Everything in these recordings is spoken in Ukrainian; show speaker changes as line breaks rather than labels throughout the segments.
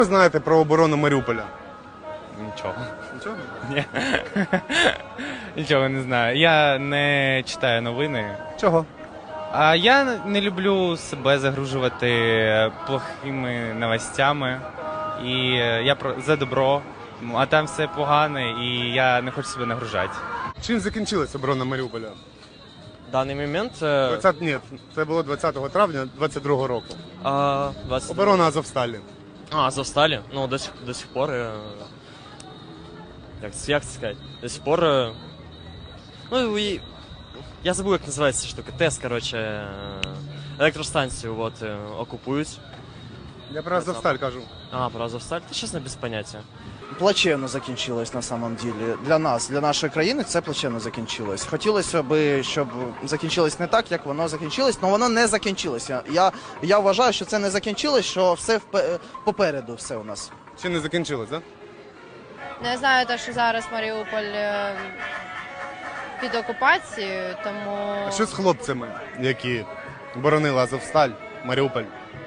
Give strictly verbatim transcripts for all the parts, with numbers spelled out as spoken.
Ви знаєте про оборону Маріуполя?
Нічого.
Нічого?
Ні. Нічого не знаю. Я не читаю новини.
Чого?
А я не люблю себе загружувати плохими новостями. І я про- за добро, а там все погане, і я не хочу себе нагружати.
Чим закінчилась оборона Маріуполя?
В даний момент е,
двадцятого Ні, це було двадцятого травня двадцять другого року.
а, двадцять
Оборона Азовсталі.
А, Азовсталі? Ну, до сих, до сих пор. е, Як, це- як це сказати? До сих пор. е, Ну, і, я забув, як називається ця штука. ТЕС, коротше, е, електростанцію от, е, окупують.
Я про Азовсталь кажу.
А, про Азовсталь? Та чесно, без поняття.
Плачевно закінчилось на самом деле. Для нас, для нашої країни це плачевно закінчилось. Хотілося б, щоб закінчилось не так, як воно закінчилось, але воно не закінчилося. Я, я вважаю, що це не закінчилось, що все впе- попереду все у нас.
Ще не закінчилось, так?
Не знаю, те, що зараз Маріуполь е, під окупацією, тому
А що з хлопцями, які боронили Азовсталь, Маріуполь?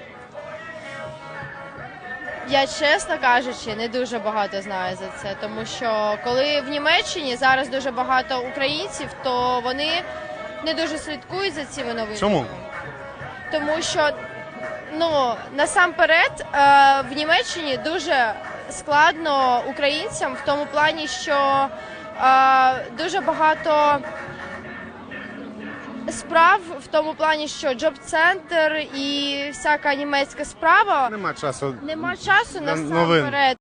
я, чесно кажучи, не дуже багато знаю за це. Тому що коли в Німеччині зараз дуже багато українців, то вони не дуже слідкують за цими новинами.
Чому?
Тому що, ну, насамперед, е, в Німеччині дуже складно українцям в тому плані, що е, дуже багато справ в тому плані, що джоб-центр і всяка німецька справа,
Нема часу.
нема часу
Для новин.
насамперед.